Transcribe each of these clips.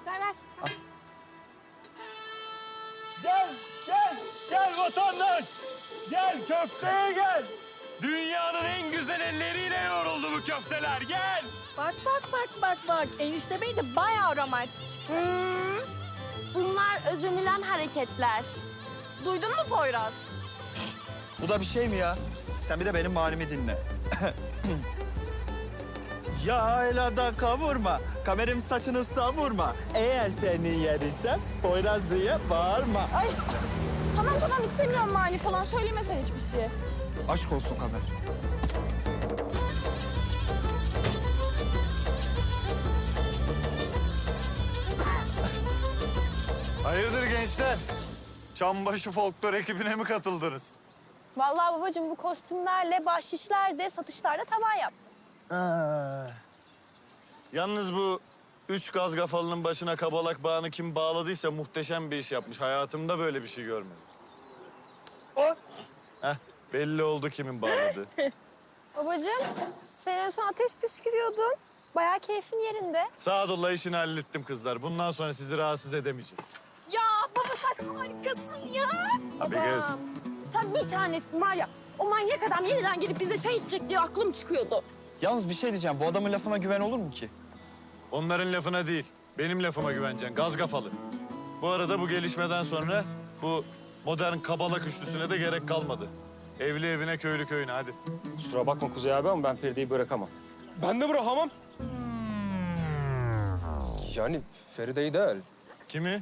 Ver. Gel vatandaş. Gel köfteye gel. Dünyanın en güzel elleriyle yoğruldu bu köfteler. Gel. Bak. Enişte Bey de bayağı romantik. Bunlar özenilen hareketler. Duydun mu Poyraz? Bu da bir şey mi ya? Sen bir de benim halimi dinle. Yaylada kavurma, kamerim saçını savurma. Eğer seni yer isem Poyraz diye bağırma. Ay, Tamam istemiyorum mani falan söyleme sen hiçbir şey. aşk olsun kamer. Hayırdır gençler? Çambaşı folklor ekibine mi katıldınız? Vallahi babacığım bu kostümlerle bahşişlerde, satışlarda tavan yaptım. Yalnız bu üç gaz kafalının başına kabalak bağını kim bağladıysa muhteşem bir iş yapmış. Hayatımda böyle bir şey görmedim. Heh, belli oldu kimin bağladığı. Babacığım sen en son ateş püskürüyordun. Bayağı keyfin yerinde. Sadullah işini hallettim kızlar. Bundan sonra sizi rahatsız edemeyeceğim. Ya baba sen harikasın ya. Abi kız. Sen bir tanesin var ya. O manyak adam yeniden gelip bize çay içecek diye aklım çıkıyordu. Yalnız bir şey diyeceğim, bu adamın lafına güven olur mu ki? Onların lafına değil, benim lafıma güveneceksin. Gaz kafalı. Bu arada bu gelişmeden sonra bu modern kabalak üçlüsüne de gerek kalmadı. Evli evine, köylü köyüne hadi. Kusura bakma Kuzey abi ama ben Feride'yi bırakamam. Ben de bırakamam. Yani Feride'yi değil. Kimi?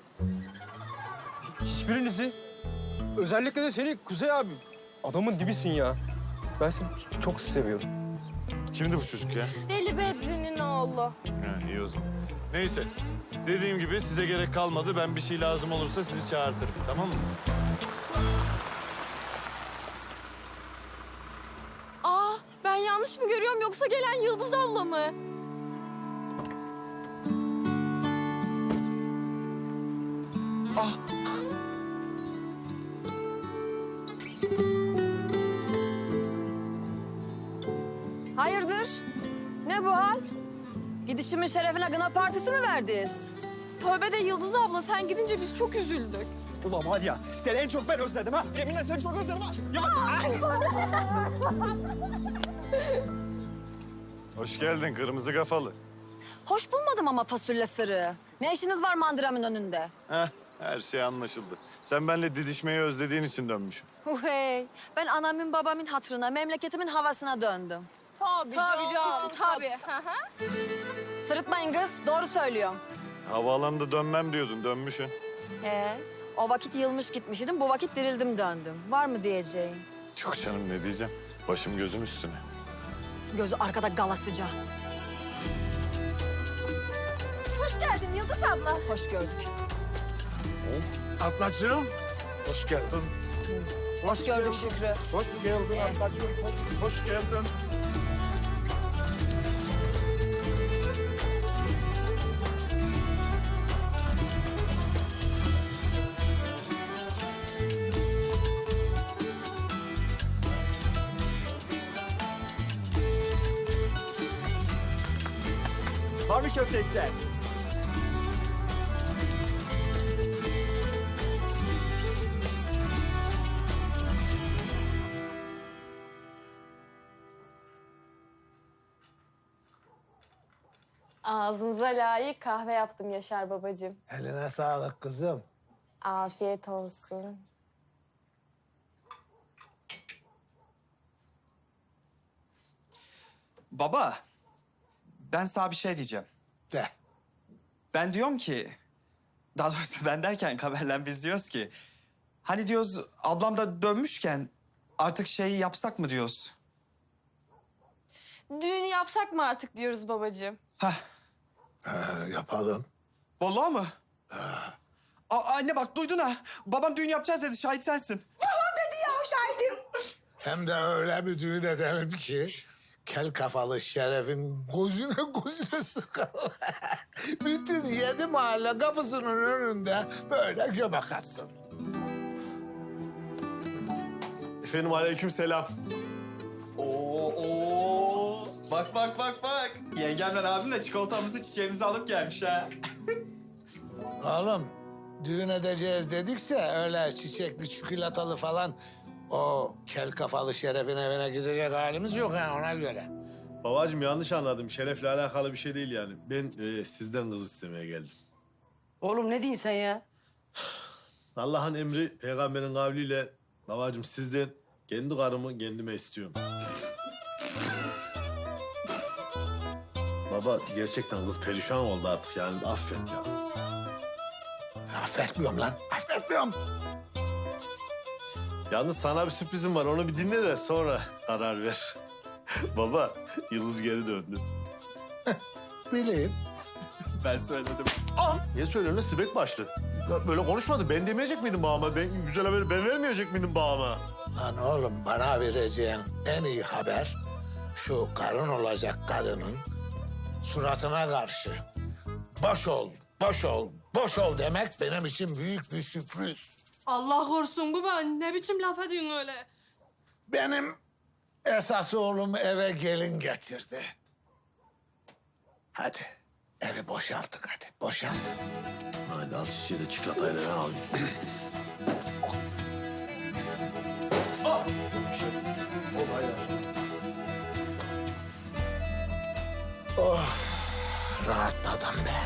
Hiçbirinizi. Özellikle de seni Kuzey abi. Adamın dibisin ya. Ben seni çok seviyorum. Kimdi bu çocuk ya? Deli Bedri'nin oğlu. Ha, iyi o zaman. Neyse. Dediğim gibi size gerek kalmadı. Ben bir şey lazım olursa sizi çağırtırım. Tamam mı? Ben yanlış mı görüyorum yoksa gelen Yıldız abla mı? Hayırdır? Ne bu hal? Gidişimin şerefine gına partisi mi verdiniz? Tövbe de Yıldız abla sen gidince biz çok üzüldük. Ulan var ya, seni en çok ben özledim ha. Yeminle seni çok özledim ha. Ya. Hoş geldin kırmızı kafalı. Hoş bulmadım ama fasulye sırrı. Ne işiniz var mandıramın önünde? Heh, her şey anlaşıldı. Sen benimle didişmeyi özlediğin için dönmüşsün. Hey, ben anamın babamın hatırına, memleketimin havasına döndüm. Tabii canım. Tabii. Sırıtmayın kız, doğru söylüyorum. Havaalanında dönmem diyordun, dönmüşsün. O vakit yılmış gitmiş idim, bu vakit dirildim döndüm. Var mı diyeceğin? Yok canım ne diyeceğim. Başım gözüm üstüne. Gözü arkada galasıca. Hoş geldin Yıldız abla. Hoş gördük. Ablacığım, hoş geldin. Hoş gördük Şükrü. Hoş geldin ablacığım, hoş geldin. Var mı köftesi sen? Ağzınıza layık kahve yaptım Yaşar babacığım. Eline sağlık kızım. Afiyet olsun. Baba, ben sana bir şey diyeceğim. De. Ben diyorum ki, daha doğrusu ben derken Kamer'le biz diyoruz ki... Hani diyoruz ablam da dönmüşken artık şeyi yapsak mı diyoruz? Düğünü yapsak mı artık diyoruz babacığım. Heh, Yapalım. vallahi mı? Anne bak duydun ha. Babam düğün yapacağız dedi, şahit sensin. Hem de öyle bir düğün edelim ki... kel kafalı şerefin gözüne sıkalım. Bütün 7 mahalle kapısının önünde böyle göbek atsın. Efendim aleyküm selam. Oo. Bak bak bak bak. Yengemle abim de çikolatamızı çiçeğimizi alıp gelmiş ha. Oğlum düğün edeceğiz dedikse öyle çiçekli çikolatalı falan o kel kafalı Şeref'in evine gidecek halimiz yok ha ona göre. Babacığım yanlış anladım. Şerefle alakalı bir şey değil yani. Ben sizden kız istemeye geldim. Oğlum ne diyorsun sen ya? Allah'ın emri peygamberin kavliyle babacığım sizden kendi karımı kendime istiyorum. Baba gerçekten kız perişan oldu artık yani affet ya. Affetmiyorum lan affetmiyorum. Yalnız sana bir sürprizim var onu bir dinle de sonra karar ver. Baba Yıldız geri döndü. Bileyim. Ben söyledim. Niye söylüyorsun lan sibek başlı? Ya böyle konuşmadı. Ben demeyecek miydim babama? Ben güzel haberi ben vermeyecek miydim babama? Lan oğlum bana vereceğin en iyi haber şu karın olacak kadının suratına karşı boş ol, boş ol, boş ol demek benim için büyük bir sürpriz. Allah korusun baba. Ne biçim laf ediyorsun öyle? Benim esas oğlum eve gelin getirdi. Hadi evi boşalttık hadi boşalt. Hadi al şişeyi de çikolatayı da ben alayım. Rahatladım be.